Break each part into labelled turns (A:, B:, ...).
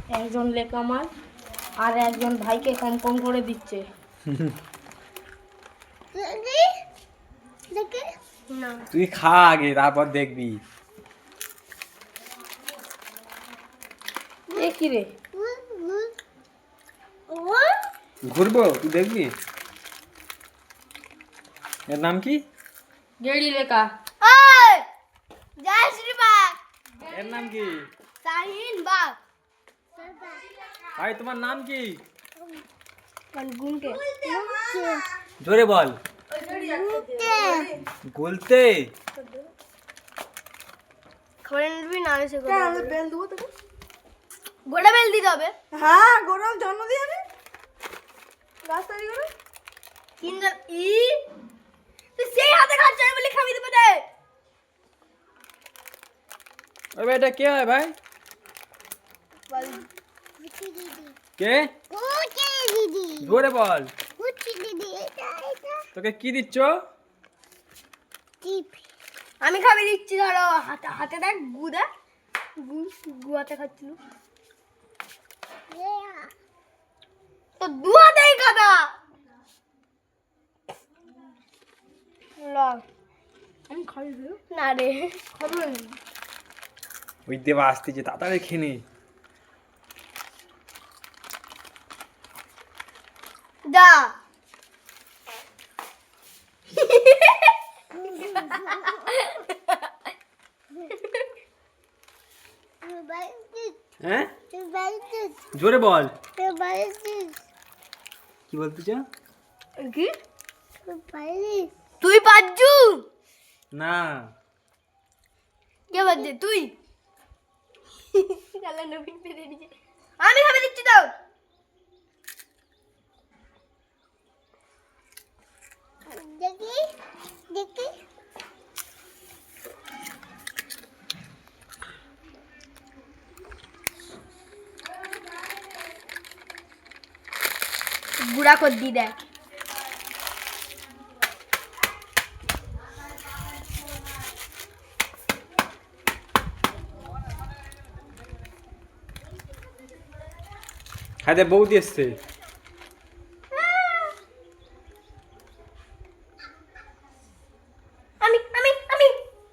A: একজন লেখা মার আর একজন ভাইকে কম কম করে দিচ্ছে। না
B: তুই খা আগে তারপর দেখবি।
A: এ কি রে?
B: ঘুরবো তুই দেখবি। এর নাম কি?
A: গেড়ি লেখা।
B: এর নাম কি?
A: শাহিন বাগ।
B: ভাই তোমার নাম কি?
A: গুনকে
B: জোরে বল। গুলতে।
A: খবরে নিবি না এসে করে বেল দেবো তোকে। গোটা বেল দিতে হবে।
C: হ্যাঁ গোড়াল জন্ম দিয়ে আমি গাছ তৈরি করে
A: কিন্ডার ই তুই সেই হাতে খাচ্ছ না বলে খাবি দেবে দে।
B: ওই ভাই এটা কে হয় ভাই? কে? জোরে বল। তোকে কি দিচ্ছ?
A: আমি খাবি দিচ্ছি ধরো হাতে হাতে দেখ গু দেখ গু হাতে খাচ্ছিল তো দু হাতেই খাবা। আমি খাই না রে খাবো না।
B: ওই দেবা আসতেছে তাড়াতাড়ি খেয়ে নে।
A: দা
B: হ্যাঁ জোরে বল। কি বলতে চাও?
A: কি তুই পাজ্জু
B: না
A: কে বাজে তুই কালা নবীন পেরে দিছে। আমি খাবে দিচ্ছি তো দেখি দেখি গুড়া কর দি দেখ।
B: হাতে বৌদি এসছে।
A: আমি আমি আমি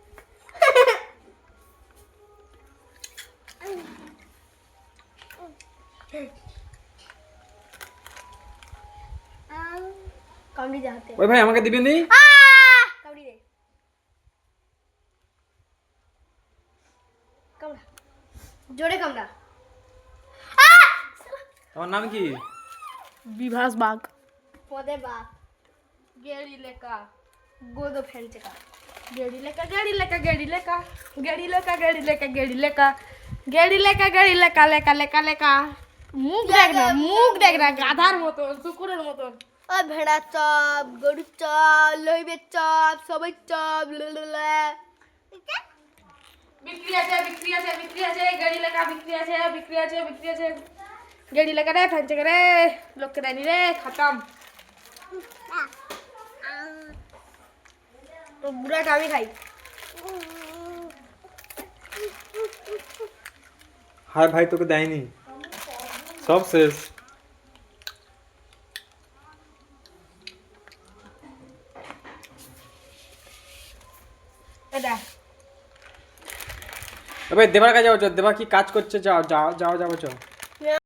A: কামড়ি দে হাতে।
B: ওই ভাই আমাকে দিবি নি?
A: কামড়ি দে কামড়া জোরে কামড়া।
B: তোমার নাম কি?
C: বিভাস বাগ
A: পদে বা গেড়ি লেখা গোদো ফেলছে কা গেড়ি লেখা গেড়ি লেখা গেড়ি লেখা গেড়ি লেখা গেড়ি লেখা গেড়ি লেখা গেড়ি লেখা গেড়ি লেখা লেখা লেখা লেখা। মুখ দেখ না গাধার মতন শুকুরের মতন। ও ভেড়া চপ গরুর চপ লইবের চপ সবাই চপ বিক্রি আছে বিক্রি আছে বিক্রি আছে গেড়ি লেখা বিক্রি আছে বিক্রি আছে বিক্রি আছে গেড়ি লেখা রে ফেলছে রে লোককে দেয়নি রে খতম। তো বুড়াটা আমি খাই।
B: হায় ভাই তোকে দেয়নি সব শেষ।
A: এটা
B: এবার দেবার কাছে যাও, দেবা কি কাজ করছে? যাও যাও যাও যাও যাও।